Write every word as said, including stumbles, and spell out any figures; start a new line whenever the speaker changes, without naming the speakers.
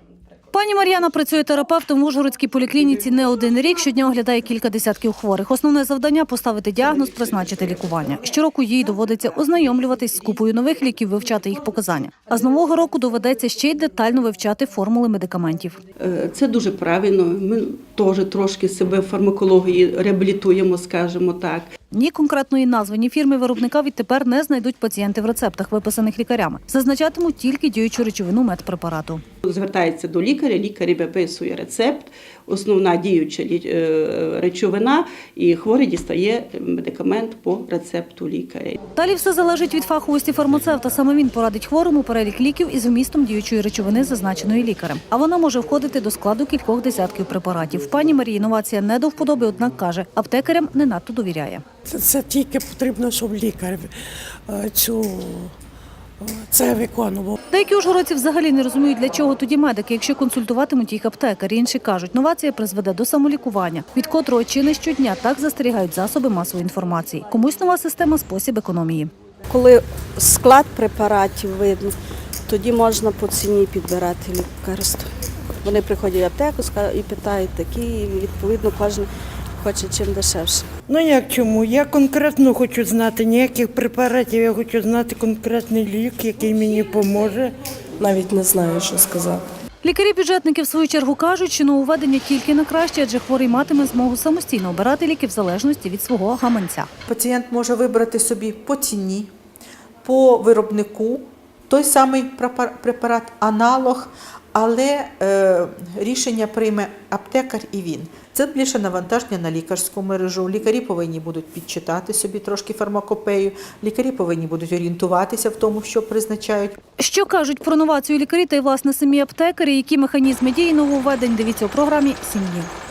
Пані Мар'яна працює терапевтом в Ужгородській поліклініці не один рік, щодня оглядає кілька десятків хворих. Основне завдання – поставити діагноз, призначити лікування. Щороку їй доводиться ознайомлюватись з купою нових ліків, вивчати їх показання. А з нового року доведеться ще й детально вивчати формули медикаментів.
Це дуже правильно. Ми теж трошки себе в фармакології реабілітуємо, скажімо так.
Ні конкретної назви, ні фірми виробника відтепер не знайдуть пацієнти в рецептах, виписаних лікарями. Зазначатимуть тільки діючу речовину медпрепарату.
Звертається до лікаря, лікар виписує рецепт, основна діюча речовина, і хворий дістає медикамент по рецепту лікаря.
Далі все залежить від фаховості фармацевта. Саме він порадить хворому перелік ліків із вмістом діючої речовини, зазначеної лікарем. А вона може входити до складу кількох десятків препаратів. Пані Марії інновація не до вподоби, однак каже, аптекарям не надто довіряє.
Це, це тільки потрібно, щоб лікар цю, це виконував.
Деякі ужгородці взагалі не розуміють, для чого тоді медики, якщо консультуватимуть їх аптекарі. Інші кажуть, новація призведе до самолікування, від котрого чи не щодня так застерігають засоби масової інформації. Комусь нова система – спосіб економії.
Коли склад препаратів видно, тоді можна по ціні підбирати лікарство. Вони приходять в аптеку і питають такі, і відповідно кожен хоче чим дешевше.
Ну як чому? Я конкретно хочу знати ніяких препаратів, я хочу знати конкретний лік, який мені поможе.
Навіть не знаю, що сказати.
Лікарі-бюджетники в свою чергу кажуть, що нововведення тільки на краще, адже хворий матиме змогу самостійно обирати ліки в залежності від свого гаманця.
Пацієнт може вибрати собі по ціні, по виробнику той самий препарат, аналог, але е, рішення прийме аптекар і він. Це більше навантаження на лікарську мережу. Лікарі повинні будуть підчитати собі трошки фармакопею, лікарі повинні будуть орієнтуватися в тому, що призначають.
Що кажуть про новацію лікарі та й, власне, самі аптекарі, які механізми дії нововведень, дивіться у програмі «Сім днів».